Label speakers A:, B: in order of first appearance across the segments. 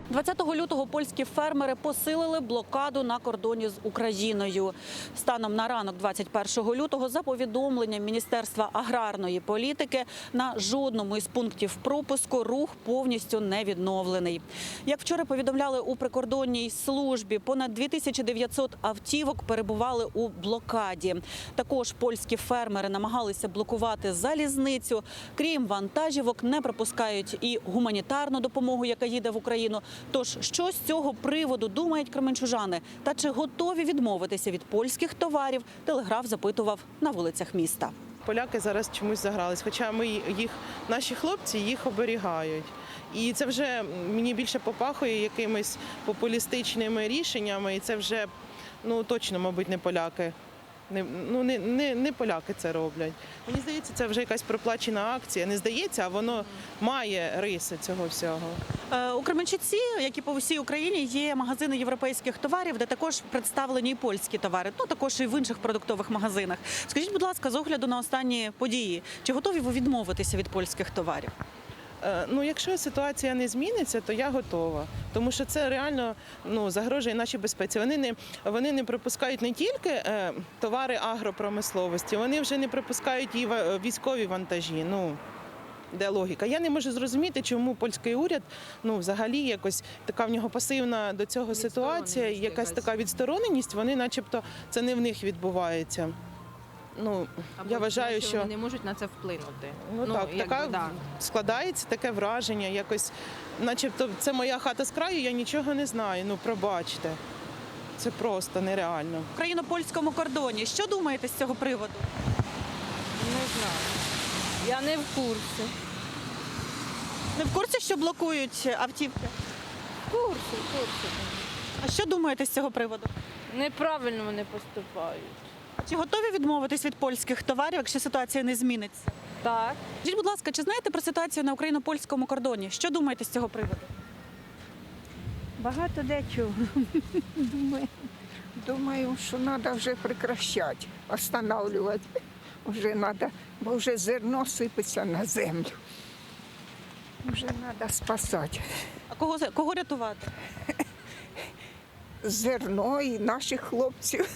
A: 20 лютого польські фермери посилили блокаду на кордоні з Україною. Станом на ранок 21 лютого, за повідомленням Міністерства аграрної політики, на жодному із пунктів пропуску рух повністю не відновлений. Як вчора повідомляли у прикордонній службі, понад 2900 автівок перебували у блокаді. Також польські фермери намагалися блокувати залізницю. Крім вантажівок, не пропускають і гуманітарну допомогу, яка їде в Україну. Тож, що з цього приводу думають кременчужани? Та чи готові відмовитися від польських товарів? Телеграф запитував на вулицях міста.
B: Поляки зараз чомусь загрались, хоча наші хлопці їх оберігають. І це вже мені більше попахує якимись популістичними рішеннями, і це вже точно, мабуть, не поляки. Не поляки це роблять. Мені здається, це вже якась проплачена акція. Не здається, а воно має риси цього всього.
A: У Кременчуці, як і по всій Україні, є магазини європейських товарів, де також представлені і польські товари, також і в інших продуктових магазинах. Скажіть, будь ласка, з огляду на останні події, чи готові ви відмовитися від польських товарів?
B: Якщо ситуація не зміниться, то я готова. Тому що це реально загрожує нашій безпеці. Вони не пропускають не тільки товари агропромисловості, вони вже не пропускають і військові вантажі. Де логіка? Я не можу зрозуміти, чому польський уряд, взагалі якось така в нього пасивна до цього ситуація, якась така відстороненість, вони начебто це не в них відбувається. Я вважаю, що
C: вони не можуть на це вплинути.
B: Складається таке враження, якось, начебто, це моя хата з краю, я нічого не знаю. Пробачте, це просто нереально.
A: В україно-польському кордоні. Що думаєте з цього приводу?
C: Не знаю. Я не в курсі.
A: Не в курсі, що блокують автівки?
C: В курсі.
A: А що думаєте з цього приводу?
C: Неправильно вони поступають.
A: Чи готові відмовитись від польських товарів, якщо ситуація не зміниться?
C: Так.
A: Скажіть, будь ласка, чи знаєте про ситуацію на україно-польському кордоні? Що думаєте з цього приводу?
D: Багато дечого. Думаю, що треба вже прекращати, останавливати. Вже треба, бо вже зерно сипеться на землю. Вже треба спасати.
A: А кого рятувати?
D: Зерно і наших хлопців.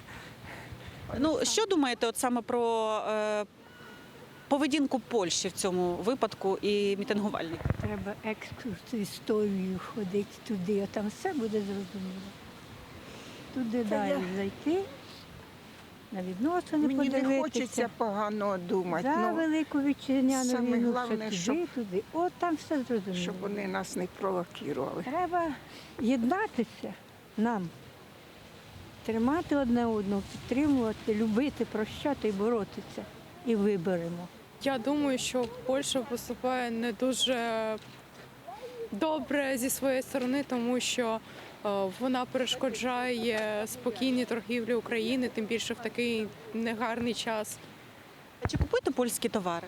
A: Що думаєте саме про поведінку Польщі в цьому випадку і мітингувальників?
E: Треба екскурс історію ходити туди, а там все буде зрозуміло. Туди далі зайти, на відносини
D: Мені
E: подивитися.
D: не хочеться погано думати.
E: За Велику Вітчизняну
D: саме
E: війну,
D: головне,
E: ще туди. От там все зрозуміло.
D: щоб вони нас не провокували.
E: Треба єднатися нам, тримати одне одного, підтримувати, любити, прощати і боротися. І виберемо.
F: Я думаю, що Польща поступає не дуже добре зі своєї сторони, тому що вона перешкоджає спокійній торгівлі України, тим більше в такий негарний час.
A: А чи купуєте польські товари?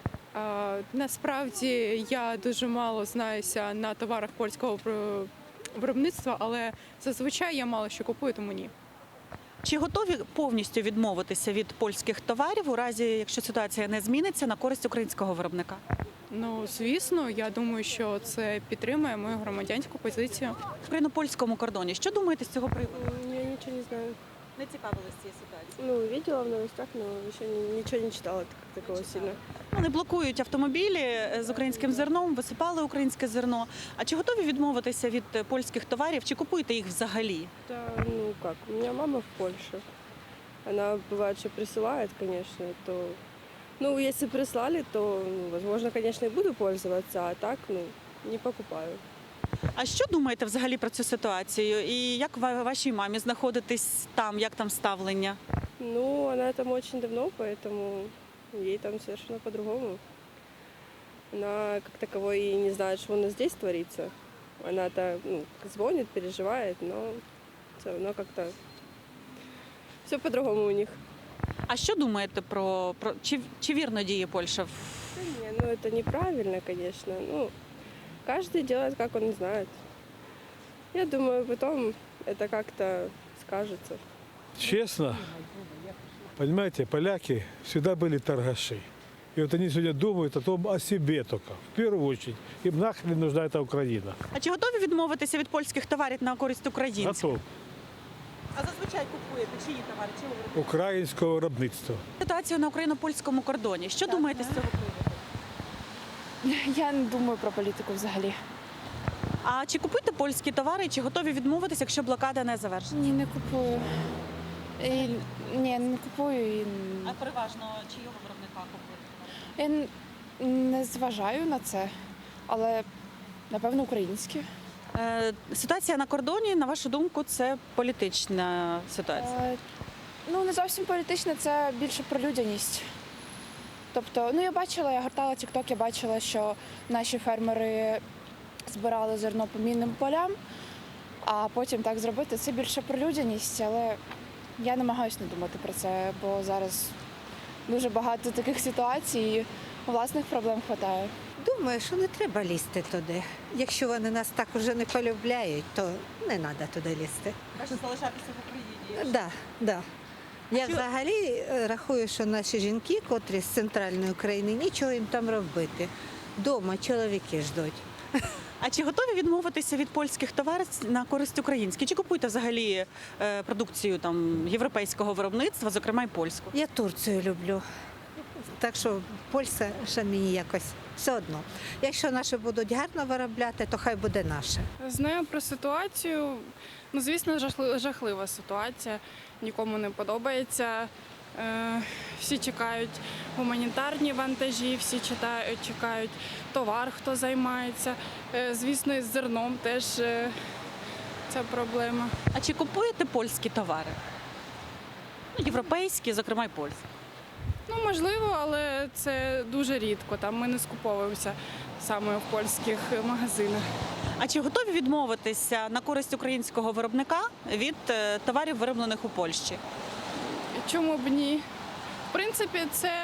F: Насправді я дуже мало знаюся на товарах польського виробництва, але зазвичай я мало що купую, тому ні.
A: Чи готові повністю відмовитися від польських товарів у разі, якщо ситуація не зміниться, на користь українського виробника?
F: Звісно, я думаю, що це підтримує мою громадянську позицію.
A: В україно-польському кордоні. Що думаєте з цього приводу?
G: Я ничего не знаю.
A: Не цікавились цією ситуацією?
G: Видела в новостях, но еще ничего не читала такого сильно.
A: Вони блокують автомобілі з українським зерном, висипали українське зерно. А чи готові відмовитися від польських товарів, чи купуєте їх взагалі?
G: Да, как, у меня мама в Польше. Она бывает, что присылает, конечно, то... если прислали, то, возможно, конечно, и буду пользоваться, а так, не покупаю.
A: А що думаєте взагалі про цю ситуацію? І як вашій мамі знаходитись там, як там ставлення?
G: Она там очень давно, поэтому ей там совершенно по-другому. Она как таковой и не знает, что у нас здесь творится. Она-то звонит, переживает, но все равно как-то все по-другому у них.
A: А що думаєте про чи вірно діє Польща?
G: Да не, это неправильно, конечно. Каждый делает, как он знает. Я думаю, потом это как-то скажется.
H: Честно, понимаете, поляки всегда были торгаши. И вот они сегодня думают о себе только, в первую очередь. Им нахрен нужна эта Украина.
A: А чи готові відмовитися від польських товарів на користь українців?
H: Готов.
A: А зазвичай купуєте чиї товари? Чого ви?
H: Українського виробництва.
A: Ситуацію на україно-польському кордоні. Що думаєте з цього приводу?
I: Я не думаю про політику взагалі.
A: А чи купуєте польські товари, чи готові відмовитися, якщо блокада не завершена?
I: Ні, не купую. Ні, не купую.
A: А переважно чийого виробника купуєте?
I: Я не зважаю на це, але напевно українські.
A: Ситуація на кордоні, на вашу думку, це політична ситуація?
I: Ну, не зовсім політична, це більше про людяність. Тобто, ну я гортала TikTok, я бачила, що наші фермери збирали зерно по мінним полям, а потім так зробити. Це більше про людяність, але я намагаюся не думати про це, бо зараз дуже багато таких ситуацій, власних проблем вистачає.
J: Думаю, що не треба лізти туди. Якщо вони нас так уже не полюбляють, то не треба туди лізти.
A: Краще залишатися в Україні.
J: Да. Я взагалі рахую, що наші жінки, котрі з центральної України, нічого їм там робити. Дома чоловіки ждуть.
A: А чи готові відмовитися від польських товарів на користь українських? Чи купуєте взагалі продукцію там європейського виробництва, зокрема й польську?
J: Я Турцію люблю. Так що Польща ще мені якось все одно. Якщо наші будуть гарно виробляти, то хай буде наше.
F: Знаю про ситуацію. Ну, звісно, жахлива ситуація. Нікому не подобається. Всі чекають гуманітарні вантажі, всі чекають товар, хто займається. Звісно, із зерном теж ця проблема.
A: А чи купуєте польські товари? Ну, європейські, зокрема й польські.
F: Ну, можливо, але це дуже рідко. Там ми не скуповуємося саме в польських магазинах.
A: А чи готові відмовитися на користь українського виробника від товарів, вироблених у Польщі?
F: Чому б ні? В принципі, це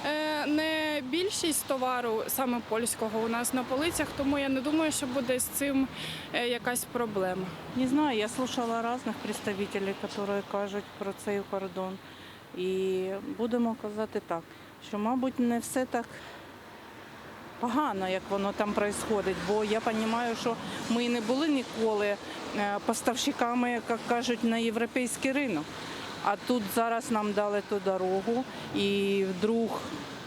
F: не більшість товару саме польського у нас на полицях, тому я не думаю, що буде з цим якась проблема.
C: Не знаю, я слушала різних представників, які кажуть про цей кордон. І будемо казати так, що, мабуть, не все так погано, як воно там відбувається, бо я розумію, що ми не були ніколи поставщиками, як кажуть, на європейський ринок. А тут зараз нам дали ту дорогу, і вдруг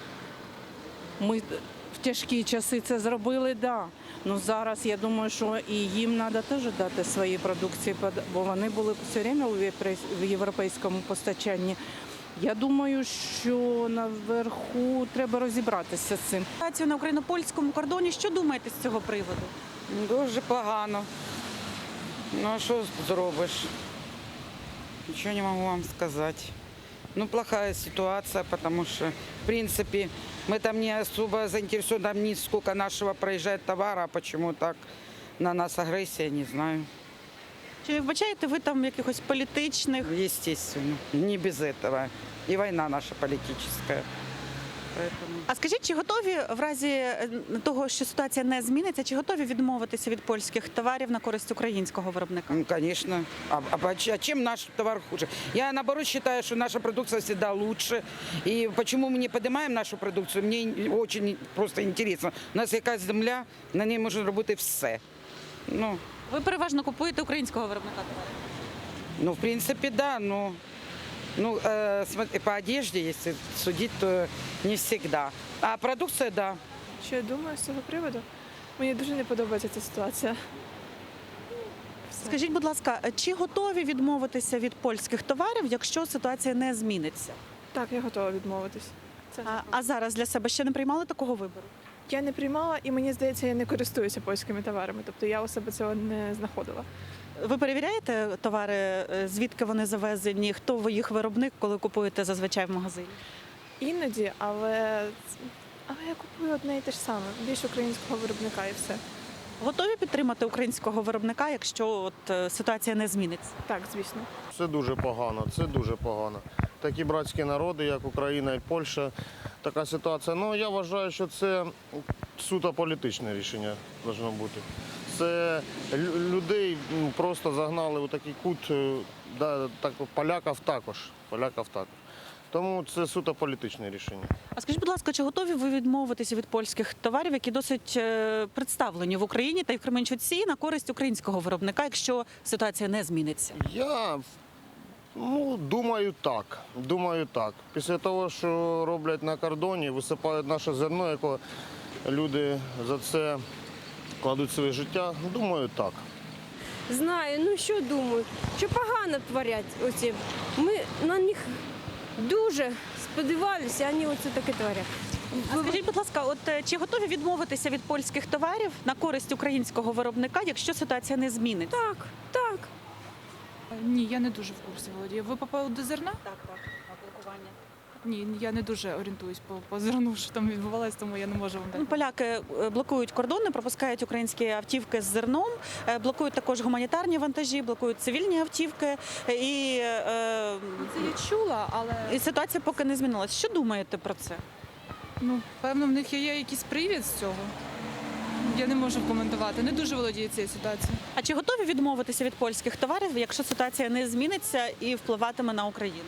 C: ми в тяжкі часи це зробили, да. Ну зараз я думаю, що і їм треба теж дати свої продукції, бо вони були все время в європейському постачанні. Я думаю, що наверху треба розібратися з цим.
A: Ситуацію на україно-польському кордоні. Що думаєте з цього приводу?
C: Дуже погано. Ну а що зробиш? Нічого не можу вам сказати. Ну, плохая ситуация, потому что, в принципе, мы там не особо заинтересованы, там не сколько нашего проезжает товара, а почему так на нас агрессия, не знаю.
A: Чи вбачаєте ви там якихось політичних?
C: Естественно, не без этого. И война наша политическая. Поэтому...
A: А скажіть, чи готові в разі того, що ситуація не зміниться, чи готові відмовитися від польських товарів на користь українського виробника?
C: Ну, конечно. А чем наш товар хуже? Я, наоборот, считаю, что наша продукция всегда лучше. И почему мы не поднимаем нашу продукцию, мне очень просто интересно. У нас якась земля, на ній можна робити все. Ну,
A: Ви переважно купуєте українського виробника товарів?
C: в принципе, да, но по одежде, если судить, то не всегда. А продукция, да.
K: Що я думаю з цього приводу? Мені дуже не подобається ця ситуація.
A: Скажіть, будь ласка, чи готові відмовитися від польських товарів, якщо ситуація не зміниться?
K: Так, я готова відмовитись. Це
A: А зараз для себе ще не приймали такого вибору?
K: я не приймала, і мені здається, я не користуюся польськими товарами. Тобто я у себе цього не знаходила.
A: Ви перевіряєте товари, звідки вони завезені, хто їх виробник, коли купуєте зазвичай в магазині?
K: Іноді, але я купую одне і те ж саме. Більш українського виробника і все.
A: Готові підтримати українського виробника, якщо ситуація не зміниться?
K: Так, звісно.
L: Це дуже погано, це дуже погано. Такі братські народи, як Україна і Польща, така ситуація. Ну, я вважаю, що це суто політичне рішення повинно бути. Це людей просто загнали у такий кут, так, поляків також. Тому це суто політичне рішення.
A: А скажіть, будь ласка, чи готові ви відмовитися від польських товарів, які досить представлені в Україні та й в Кременчуці на користь українського виробника, якщо ситуація не зміниться?
L: Я думаю так. Думаю так. Після того, що роблять на кордоні, висипають наше зерно, яке люди за це кладуть своє життя, думаю так.
M: Знаю, ну що думаю, що погано творять оці. Ми на них дуже сподівалися, а вони оце таке творять.
A: А скажіть, будь ласка, от чи готові відмовитися від польських товарів на користь українського виробника, якщо ситуація не зміниться?
M: Так, так.
N: Ні, я не дуже в курсі володію. Ви попали до зерна?
A: Так, блокування.
N: Ні, я не дуже орієнтуюсь по зерну, що там відбувалося, тому я не можу вам дати.
A: Поляки блокують кордони, пропускають українські автівки з зерном, блокують також гуманітарні вантажі, блокують цивільні автівки. І
N: Це я чула, але
A: ситуація поки не змінилась. Що думаєте про це?
N: певно, в них є якийсь привід з цього. Я не можу коментувати, не дуже володію цією ситуацією.
A: А чи готові відмовитися від польських товарів, якщо ситуація не зміниться і впливатиме на Україну?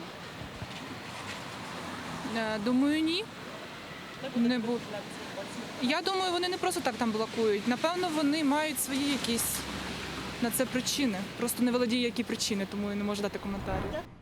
N: Думаю, ні. Не буду. Я думаю, вони не просто так там блокують. Напевно, вони мають свої якісь на це причини. Просто не володію, які причини, тому я не можу дати коментарі.